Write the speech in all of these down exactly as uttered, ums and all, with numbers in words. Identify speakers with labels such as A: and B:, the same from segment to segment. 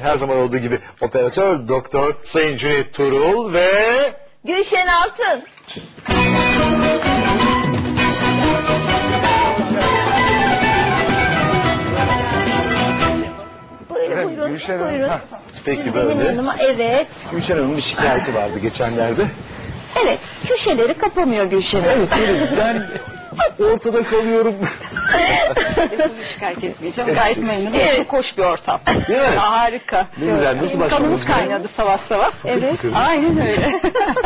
A: her zaman olduğu gibi operatör doktor Sayın Cüneyt Turul ve
B: Gülşen Altın. Buyurun,
A: Efendim,
B: buyurun,
A: Gülşen
B: buyurun.
A: Hanım. Peki
B: Benim
A: böyle.
B: yanıma, evet.
A: Gülşen Hanım'ın bir şikayeti vardı geçenlerde.
B: Evet, köşeleri kapamıyor Gülşen Hanım.
A: Evet, ben ortada kalıyorum.
C: Bunu şikayet etmeyeceğim. Gayet memnunum.
B: Evet.
C: Çok hoş bir ortam.
A: Değil mi?
C: Harika.
A: Ne güzel, nasıl başladınız?
C: Kanımız kaynadı savaş savaş.
B: Evet.
C: Aynen öyle.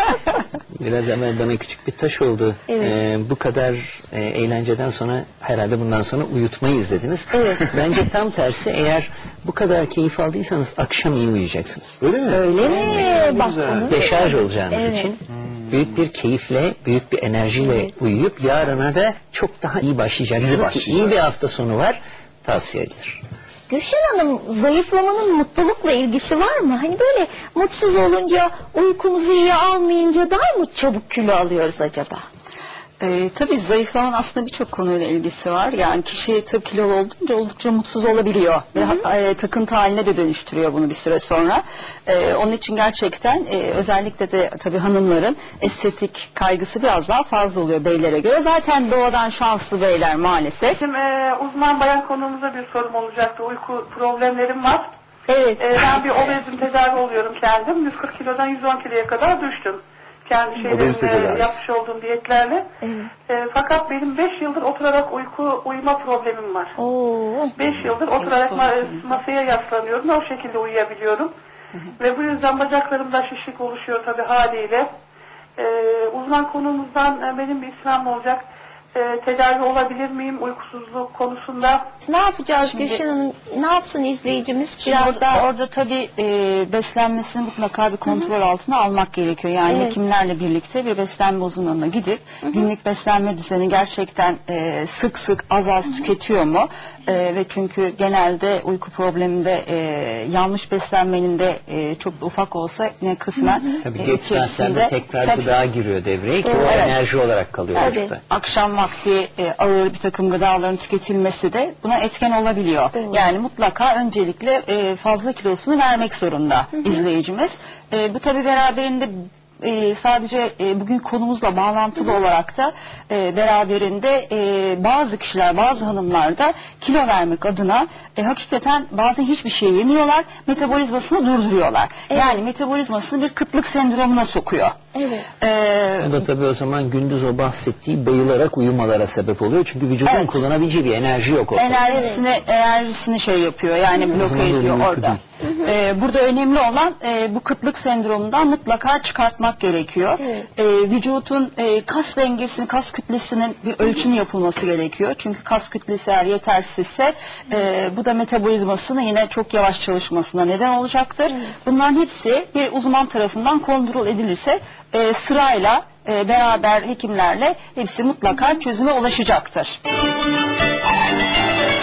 D: Biraz evvel bana küçük bir taş oldu.
B: Evet.
D: Ee, bu kadar e, eğlenceden sonra herhalde bundan sonra uyutmayı izlediniz.
B: Evet.
D: Bence tam tersi, eğer bu kadar keyif aldıysanız akşam iyi uyuyacaksınız.
A: Öyle mi?
B: Öyle mi? Bak
A: güzel.
B: bunu.
D: Deşarj olacağınız
B: Evet.
D: için büyük bir keyifle, büyük bir enerjiyle uyuyup yarına da çok daha iyi başlayacaksınız.
A: İyi
D: İyi,
A: başlayacak.
D: iyi bir hafta sonu var. Tavsiye edilir.
B: Gülşen Hanım, zayıflamanın mutlulukla ilgisi var mı? Hani böyle mutsuz olunca, uykumuzu iyi almayınca daha mı çabuk kilo alıyoruz acaba?
C: Ee, tabii zayıflamanın aslında birçok konuyla ilgisi var. Yani kişi tabii kilolu olduğunca oldukça mutsuz olabiliyor. Ve e, takıntı haline de dönüştürüyor bunu bir süre sonra. E, onun için gerçekten e, özellikle de tabii hanımların estetik kaygısı biraz daha fazla oluyor beylere göre. Zaten doğadan şanslı beyler maalesef.
E: Bizim e, uzman bayan konuğumuza bir sorum olacaktı. Uyku problemlerim var.
B: Evet.
E: E, ben bir obezim, tedavi oluyorum kendim. yüz kırk kilodan yüz on kiloya kadar düştüm. Kendi
A: Obezite
E: şeylerimle,
A: tedavisi.
E: yapmış olduğum diyetlerle.
B: Evet.
E: E, fakat benim beş yıldır oturarak uyku uyuma problemim var.
B: Oo.
E: beş yıldır oturarak ma- masaya yaslanıyorum. O şekilde uyuyabiliyorum. Ve bu yüzden bacaklarımda şişlik oluşuyor tabii haliyle. E, uzman konuğumuzdan e, benim bir ismim olacak. E, tedavi olabilir miyim uykusuzluk konusunda?
B: Ne yapacağız
C: Şimdi-
B: Gülşen Hanım? Ne yapsın izleyicimiz?
C: Şimdi
B: Biraz
C: orada,
B: daha...
C: orada tabii e, beslenmesini mutlaka bir kontrol altına almak gerekiyor. Yani
B: Evet.
C: hekimlerle birlikte bir beslenme uzmanına gidip günlük beslenme düzeni gerçekten e, sık sık az az tüketiyor mu? E, ve çünkü genelde uyku probleminde e, yanlış beslenmenin de e, çok da ufak olsa ne kısmen
D: Tabii
C: e,
D: geç saatlerde
C: içerisinde-
D: tekrar
C: Tabii.
D: gıda giriyor devreye ki o
C: Evet.
D: enerji olarak kalıyor
B: Tabii.
D: vücutta.
C: Akşam vakti e, ağır bir takım gıdaların tüketilmesi de buna etken olabiliyor.
B: Doğru.
C: Yani mutlaka öncelikle e, fazla kilosunu vermek zorunda izleyicimiz. E, bu tabii beraberinde e, sadece e, bugün konumuzla bağlantılı olarak da e, beraberinde e, bazı kişiler, bazı hanımlar da kilo vermek adına e, hakikaten bazen hiçbir şey yemiyorlar, metabolizmasını durduruyorlar.
B: Evet.
C: Yani metabolizmasını bir kıtlık sendromuna sokuyor.
B: Evet.
C: E,
D: Bu da tabii o zaman gündüz o bahsettiği bayılarak uyumalara sebep oluyor. Çünkü vücudun
C: Evet.
D: kullanabileceği bir enerji yok ortada.
C: enerjisini enerjisini şey yapıyor, yani bloke
D: zaman
C: ediyor
D: uyku
C: orada.
D: değil.
C: Ee, burada önemli olan e, bu kıtlık sendromundan mutlaka çıkartmak gerekiyor.
B: Evet.
C: Ee, vücudun e, kas dengesini, kas kütlesinin bir ölçümü yapılması gerekiyor. Çünkü kas kütlesi eğer yetersizse e, bu da metabolizmasını yine çok yavaş çalışmasına neden olacaktır. Bunların hepsi bir uzman tarafından kontrol edilirse e, sırayla e, beraber hekimlerle hepsi mutlaka çözüme ulaşacaktır.